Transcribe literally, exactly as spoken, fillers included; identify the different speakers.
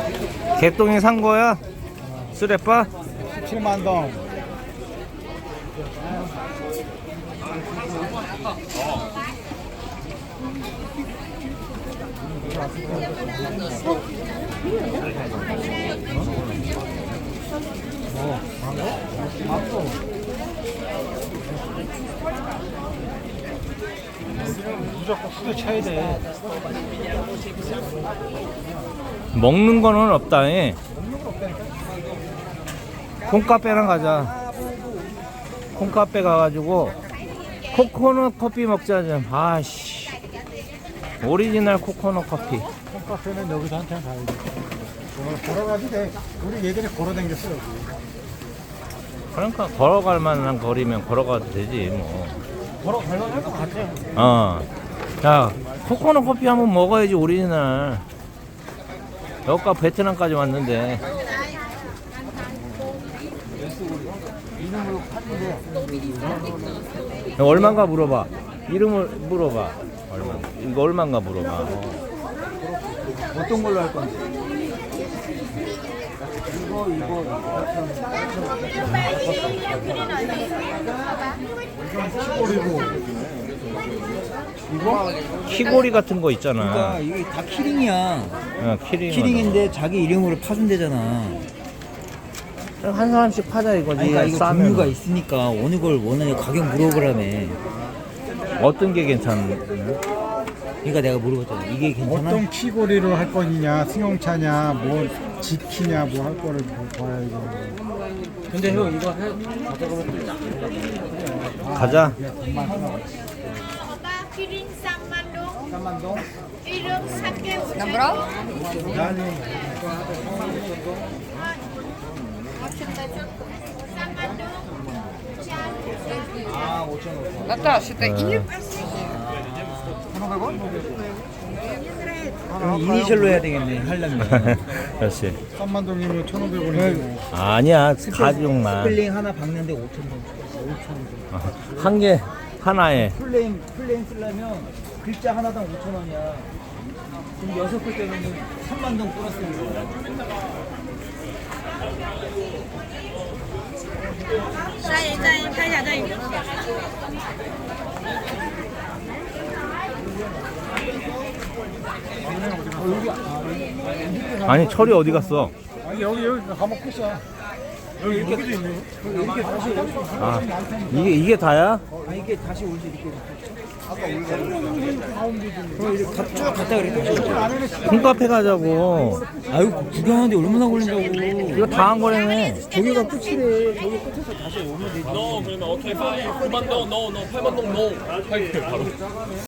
Speaker 1: 개똥이 산 거야? 쓰레빠?
Speaker 2: 칠만 동. 어, 망고? 망고. 무조건 크게 쳐야 돼.
Speaker 1: 먹는 거는 없다. 예. 콩카페랑 가자. 콩카페 가가지고 코코넛 커피 먹자 좀. 아씨. 오리지널 코코넛 커피.
Speaker 2: 콩카페는 여기서 한참 가야 돼. 오늘 걸어가도 돼. 우리 예전에 걸어다녔어 여기.
Speaker 1: 그러니까 걸어갈 만한 거리면 걸어가도 되지 뭐.
Speaker 2: 걸어갈 만할 것 같아.
Speaker 1: 어. 자, 코코넛 커피 한번 먹어야지 오리지널. 여기가 베트남까지 왔는데.
Speaker 2: 이름으로 파는데
Speaker 1: 얼마인가 물어봐. 이름을 물어봐. 얼마? 이거 얼마인가 물어봐.
Speaker 2: 어떤 걸로 할 건데? 이거 이거 키고리고 이거
Speaker 1: 키고리 같은 거 있잖아.
Speaker 3: 그러니까 이게 다 키링이야.
Speaker 1: 어, 키링.
Speaker 3: 키링인데 자기 이름으로 파준대잖아.
Speaker 1: 한 사람씩 파자 이거지.
Speaker 3: 아니, 그러니까 이거
Speaker 1: 싸면.
Speaker 3: 종류가 있으니까 어느 걸 원하냐 가격 물어보라며.
Speaker 1: 어떤 게 괜찮나?
Speaker 3: 그러니까 내가 물어봤잖아. 이게 괜찮아?
Speaker 2: 어떤 키고리로 할 거냐, 승용차냐, 뭐 지키냐, 뭐 할 거를 봐야 이거.
Speaker 3: 근데 형 이거 해.
Speaker 1: 가자.
Speaker 4: Oba kirim samandong,
Speaker 2: 삼만동.
Speaker 4: irum sake ucap. Samandong,
Speaker 3: 그럼 이니셜로 해야 되겠네. 하려면.
Speaker 1: 그렇지.
Speaker 2: 삼만동이면 천오백 원이고.
Speaker 1: 아니야. 가죽만.
Speaker 3: 스펠링 하나 박는데 오천 원. 오천 원.
Speaker 1: 한 개 하나에.
Speaker 3: 플레임 플레임 쓰려면 글자 하나당 오천 원이야. 그럼 여섯 글 때문에 삼만 동 플러스 거야.
Speaker 4: Đây, đây, đây là đây.
Speaker 1: 아니 철이 어디 갔어?
Speaker 2: 아니 여기 여기 가면 끝이야. 여기 이렇게도 있네. 이렇게 다시 올 수 있어.
Speaker 1: 아 이게 이게 다야?
Speaker 3: 아 이게 다시 올지 이렇게. 아까 올지. 그럼 이렇게 가- 쭉 갔다 그래 다시 올지.
Speaker 1: 콩카페 가자고.
Speaker 3: 아유 구경하는데 얼마나 걸린다고.
Speaker 1: 이거 다 한 거라며.
Speaker 3: 저기가 끝이래. 저기 끝에서 다시 오면 되지.
Speaker 5: No, 그러면 오케이, 파이. 구만 동, no, no, 팔만 동, no. 파이 바로.